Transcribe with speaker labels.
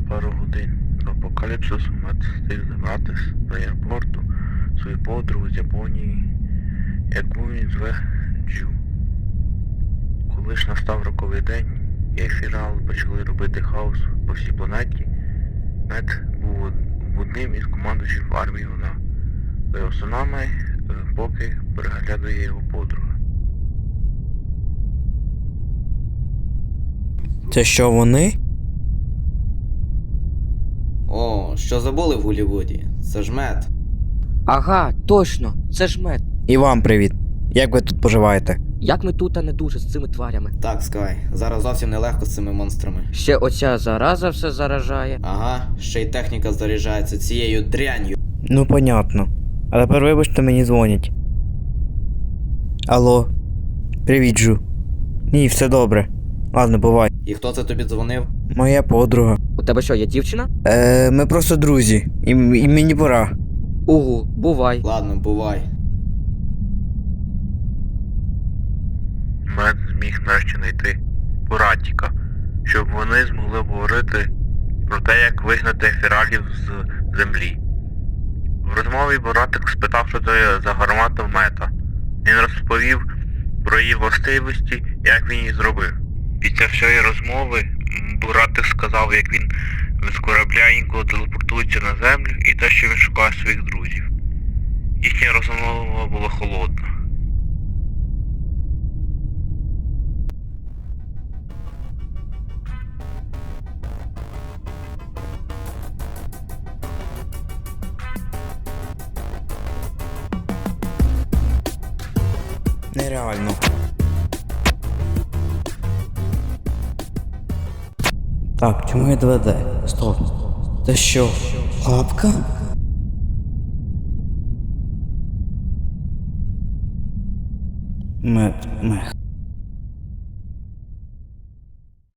Speaker 1: пару годин до апокаліпсису Мед встиг забрати з аеропорту свою подругу з Японії, яку він зве Джу. Коли ж настав роковий день, і ефірали почали робити хаос по всій планеті, Мед був одним із командуючих армії вона. За його словами, поки переглядує його подруга.
Speaker 2: Це що вони?
Speaker 3: О, що забули в Голлівуді? Це ж Мед.
Speaker 4: Ага, точно, це ж мед.
Speaker 2: І вам привіт. Як ви тут поживаєте?
Speaker 4: Як ми тут, а не дуже з цими тварями?
Speaker 3: Так, Скай, зараз зовсім нелегко з цими монстрами.
Speaker 4: Ще оця зараза все заражає.
Speaker 3: Ага, ще й техніка заряджається цією дрянью.
Speaker 2: Ну, понятно. А тепер вибачте, мені дзвонять. Алло. Привіт, Джу. Ні, все добре. Ладно, бувай.
Speaker 3: І хто це тобі дзвонив?
Speaker 2: Моя подруга.
Speaker 4: У тебе що, є дівчина?
Speaker 2: Ми просто друзі. І мені пора.
Speaker 4: Угу, бувай.
Speaker 3: Ладно, бувай.
Speaker 1: Мед зміг нарешті знайти Буратіка, щоб вони змогли говорити про те, як вигнати ефіралів з землі. В розмові Буратик спитав, що це за гармата Мета. Він розповів про її властивості, як він її зробив. Після всієї розмови Буратик сказав, як він з корабля інколи телепортується на землю і те, що він шукає своїх друзів. Їхня розмова була холодна.
Speaker 2: Нереально. Так, чому я 2D? Стоп. Це що? Лапка? Мех.